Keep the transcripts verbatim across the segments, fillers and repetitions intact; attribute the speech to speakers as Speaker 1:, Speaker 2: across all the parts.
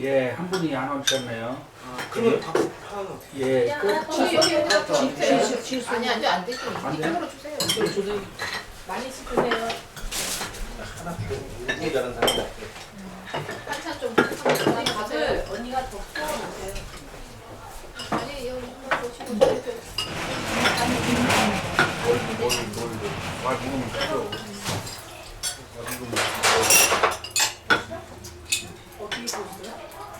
Speaker 1: 예, 한 분이 안 오셨네요.
Speaker 2: 아, 그러면 다 하나.
Speaker 1: 예,
Speaker 3: 야,
Speaker 1: 그,
Speaker 3: 여기 여기 여기다 또
Speaker 2: 취소, 취소.
Speaker 3: 아니 아니 안 되지.
Speaker 1: 안 돼?
Speaker 3: 이쪽으로 주세요.
Speaker 2: 좀 주세요.
Speaker 3: 많이 주세요.
Speaker 2: 하나 주세요. 일하는 사람 없어요.
Speaker 3: 한참 좀 부탁드립니다.
Speaker 4: 밥을 언니가 더 구워놓으세요.
Speaker 3: 아니 여기 이거 보시고 저렇게
Speaker 1: 뭘, 뭘, 뭘, 와, 먹으면 되죠.
Speaker 4: 어떻게 구웠어요?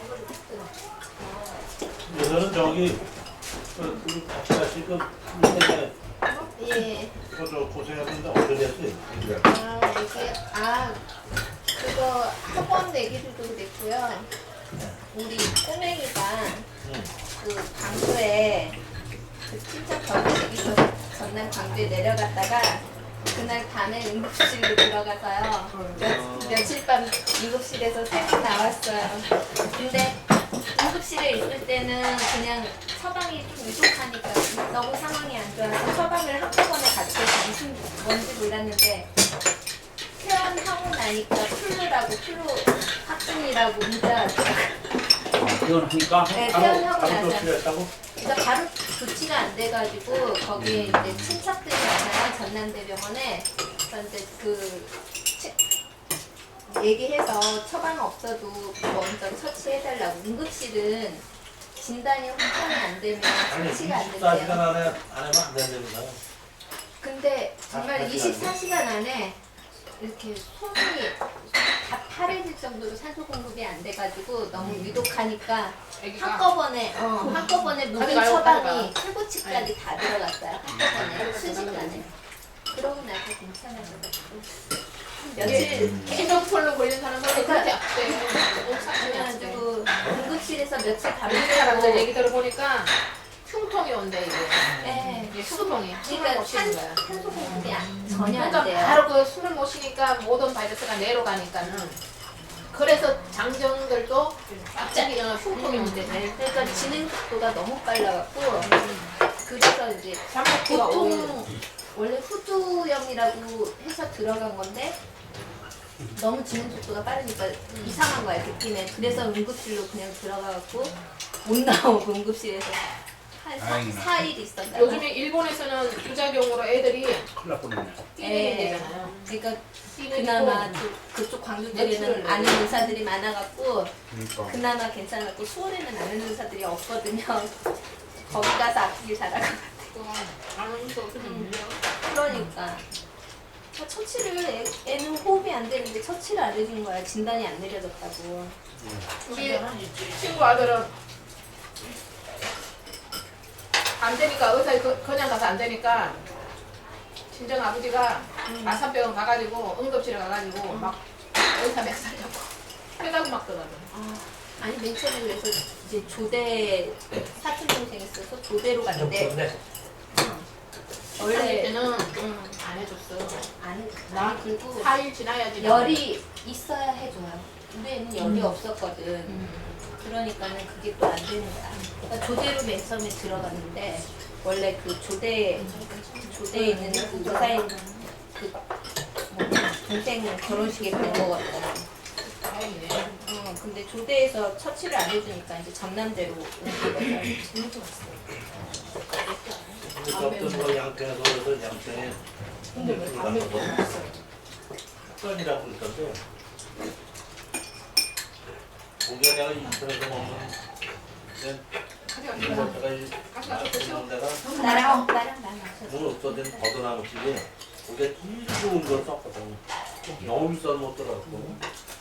Speaker 2: 여기서는 저기 그 우리 같이 같이 그 때문에
Speaker 3: 예.
Speaker 2: 그저 고생했는데 어떻게 됐어요?
Speaker 3: 아 이게 아 그거 학원 내기들도 그랬고요. 우리 꼬맹이가
Speaker 2: 응.
Speaker 3: 그 광주에 그 친척 결혼식이 있어서 전날 광주에 내려갔다가 그날 밤에 응급실로 들어가서요. 며, 며칠 밤 응급실에서 새고 나왔어요. 근데 응급실에 있을 때는 그냥 처방이 좀 부족하니까 너무 상황이 안 좋아서 처방을 한꺼번에 같이 해서 무슨 뭔지 몰랐는데 퇴원하고 나니까 플루라고 플루 확진이라고 문자
Speaker 1: 아, 퇴원하니까?
Speaker 3: 네,
Speaker 2: 바로
Speaker 3: 퇴원하고
Speaker 2: 바로
Speaker 3: 나서
Speaker 2: 조치했다고?
Speaker 3: 그러니까 바로 조치가 안 돼가지고 거기에 이제 친척들이 많아요. 전남대병원에. 그래서 이제 그 치- 얘기해서 처방 없어도 먼저 처치해달라고. 응급실은 진단이 확정이 안 되면
Speaker 2: 아니
Speaker 3: 처치가 안
Speaker 2: 이십사 시간
Speaker 3: 된대요.
Speaker 2: 안에 안 하면 안 된답니다.
Speaker 3: 근데 정말
Speaker 2: 아,
Speaker 3: 이십사 시간 안에 이렇게 손이 다 파래질 정도로 산소 공급이 안 돼가지고 너무 위독하니까 한꺼번에 어, 한꺼번에 모든
Speaker 4: 가져가요,
Speaker 3: 처방이
Speaker 4: 가져가.
Speaker 3: 탈구치까지 다 들어갔어요. 한꺼번에 순식간에. 그러고 나서 괜찮아져가지고 며칠
Speaker 4: 계속 폴로 걸린 사람은 그렇게 악돼요.
Speaker 3: 그래가지고 응급실에서 며칠
Speaker 4: 다른 사람들
Speaker 3: 밤새고
Speaker 4: 얘기 들어보니까 흉통이 온대 이게.
Speaker 3: 네.
Speaker 4: 이게 수동이. 술을
Speaker 3: 그러니까
Speaker 4: 못 쉬는
Speaker 3: 산,
Speaker 4: 거야.
Speaker 3: 산소 공급이 안- 전혀 안
Speaker 4: 그러니까
Speaker 3: 돼요.
Speaker 4: 바로 그 술을 못 쉬니까 모든 바이러스가 내로 가니까는. 그래서 장정들도 갑자기 어, 흉통이
Speaker 3: 음.
Speaker 4: 온대.
Speaker 3: 그러니까 진행 속도가 너무 빨라갖고 그래서 이제
Speaker 4: 잠복기가 오히려.
Speaker 3: 보통 원래 후두염이라고 해서 들어간 건데 너무 진행 속도가 빠르니까 이상한 거야 느낌에. 그래서 응급실로 그냥 들어가갖고 못 나오고 응급실에서 한
Speaker 1: 다행이네.
Speaker 3: 사 일 있었다가
Speaker 4: 요즘에 일본에서는 부작용으로 애들이
Speaker 1: 큰일 날 뻔했네.
Speaker 4: 뛰는
Speaker 3: 예.
Speaker 4: 되잖아요.
Speaker 3: 그러니까
Speaker 4: 뛰는
Speaker 3: 그나마
Speaker 4: 거.
Speaker 3: 그- 그쪽 광주
Speaker 4: 매출을
Speaker 3: 쪽에는 아는
Speaker 4: 내고.
Speaker 3: 의사들이 많아갖고
Speaker 1: 그러니까.
Speaker 3: 그나마 괜찮았고 수원에는 아는 의사들이 없거든요. 거기 가서 아프길 잘하고.
Speaker 4: 아는 수 없으면 밀려.
Speaker 3: 그러니까 아, 처치를 애, 애는 호흡이 안 되는데 처치를 안 해준 거야. 진단이 안 내려졌다고.
Speaker 4: 우리 친구 아들은 안 되니까 의사 그- 그냥 가서 안 되니까 친정 아버지가 마산병원 가가지고 응급실에 가가지고 막 의사 몇 살이라고 해가고 막 그러더라고.
Speaker 3: 아, 아니 맨 처음에 그래서 이제 조대 사촌 동생 있어서 조대로 갔는데
Speaker 4: 원래
Speaker 3: 원래
Speaker 4: 때는
Speaker 3: 응,
Speaker 4: 안 해줬어.
Speaker 3: 안
Speaker 4: 나
Speaker 3: 나 그리고
Speaker 4: 사 일 지나야지.
Speaker 3: 열이 있어야 해줘요. 우리 애는 열이
Speaker 4: 음.
Speaker 3: 없었거든.
Speaker 4: 음.
Speaker 3: 그러니까는 그게 또 안 되는 거야. 그러니까 조대로 맨 처음에 들어갔는데 원래 그 조대 조대에 있는 그 의사인 그 뭐냐 동생 결혼식에 간 거거든.
Speaker 4: 다행이네.
Speaker 3: 어, 근데 조대에서 처치를 안 해주니까 이제 전남대로 온 거거든.
Speaker 2: 어떤 뭐 양평에서 그래서 양평에
Speaker 4: 근데 왜 담배 못 먹었어요?
Speaker 2: 흑건이라고 있던데 고기가 내가 인터넷에서 먹는
Speaker 4: 가져가.
Speaker 2: 내가 이
Speaker 4: 가져가 또 드셔.
Speaker 2: 먹는 데가
Speaker 3: 나랑 나랑 나랑 마셔.
Speaker 2: 물 없어진 버드나무집이 고기가 제일 좋은 걸 썼거든. 너무 비싸서 못 들어갔고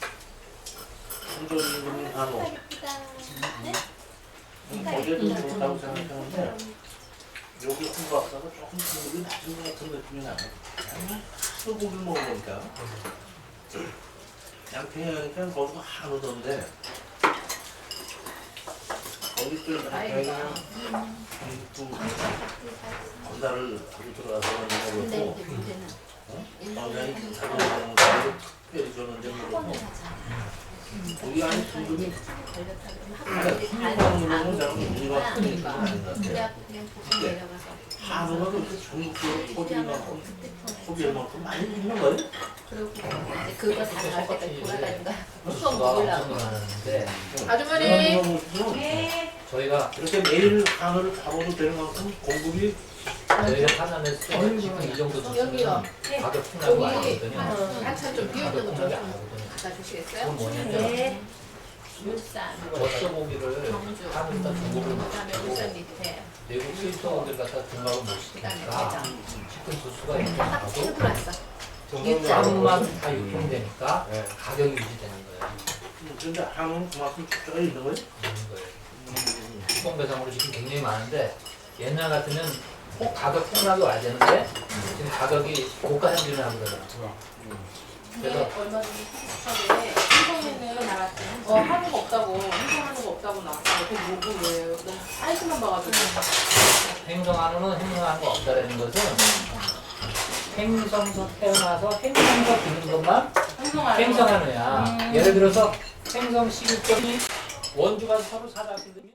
Speaker 2: 한전이 한오
Speaker 3: 예쁘다. 네?
Speaker 2: 거기에도 좋다고 생각하는데 여기 홍박사가 조금 국물이 낮은 것 같은 느낌이 나네. 또 고기를 먹으니까 양평에 가니까 거기가 한우던데 거기 또 양평에 그 건달을 하고 들어가서
Speaker 3: 근데
Speaker 2: 먹었고
Speaker 3: 이제 문제는
Speaker 2: 건달이 기사를 먹는 것도 특별히 줬는데
Speaker 3: 학원을
Speaker 2: 모르고
Speaker 3: 가자.
Speaker 2: 우리 안에 순금이
Speaker 3: 걸렸다 그러면
Speaker 2: 하나
Speaker 3: 학생들이
Speaker 2: 순금하는
Speaker 3: 다
Speaker 2: 거는 저랑
Speaker 3: 아는
Speaker 2: 우리가 큰
Speaker 3: 거니까.
Speaker 2: 얘기는 아닌 것 같아요.
Speaker 3: 그래갖고 그냥 보고 내려가서
Speaker 2: 한우가 그렇게 전국적으로 소비를
Speaker 3: 시장하고
Speaker 2: 만큼
Speaker 3: 휴대폰
Speaker 2: 소비를 만큼 많이 있는 거예요?
Speaker 3: 그리고 이제 그거 다 나올 때까지 돌아다니는 거야. 수업
Speaker 5: 수가
Speaker 3: 먹으려고.
Speaker 5: 엄청 많았는데
Speaker 4: 아주머니.
Speaker 3: 네.
Speaker 5: 저희가
Speaker 2: 이렇게 매일 한우를 잡아도 되는 만큼 공급이
Speaker 5: 저희가 판단했을 때 지금 이 정도
Speaker 4: 여기요.
Speaker 5: 주시면 가격 폭락이
Speaker 4: 여기
Speaker 5: 아니거든요.
Speaker 4: 한참 좀 비었던
Speaker 5: 가격
Speaker 4: 거좀
Speaker 5: 폭락이 안 하거든요.
Speaker 4: 갖다 주시겠어요?
Speaker 5: 그건 뭐냐면
Speaker 3: 네. 울산.
Speaker 5: 젖소고기를
Speaker 4: 경주.
Speaker 5: 한우다 중국을
Speaker 4: 그다음에 울산 밑에.
Speaker 5: 외국 수입소들 갖다 등록을 못
Speaker 4: 그다음에
Speaker 5: 시키니까
Speaker 4: 대장.
Speaker 5: 식품 도수가
Speaker 3: 딱
Speaker 5: 일정하고
Speaker 3: 치고 들어왔어.
Speaker 5: 그 한우만 다 유통되니까
Speaker 2: 네.
Speaker 5: 가격이 유지되는 거예요.
Speaker 2: 그런데 한우는 그만큼 쪄 있는 거예요?
Speaker 5: 있는 거예요. 수공 배상으로 지금 굉장히 많은데 옛날 같으면 꼭 가격 폭락이 와야 되는데 지금 가격이 고가 형진을 하고 그러더라고요. 그래서
Speaker 6: 얼마 전에 피스하게 행성에는 어 한우가 없다고 행성 한우가 없다고 나왔어요. 그 뭐고 왜요? 너무 사이즈만 봐가지고
Speaker 5: 행성 한우는 행성 한우가 없다라는 것은 행성서 태어나서 행성서 드는 것만
Speaker 6: 행성 한우.
Speaker 5: 행성 한우야. 예를 들어서 행성 십일 점이 원주가 서로 사다 쓰면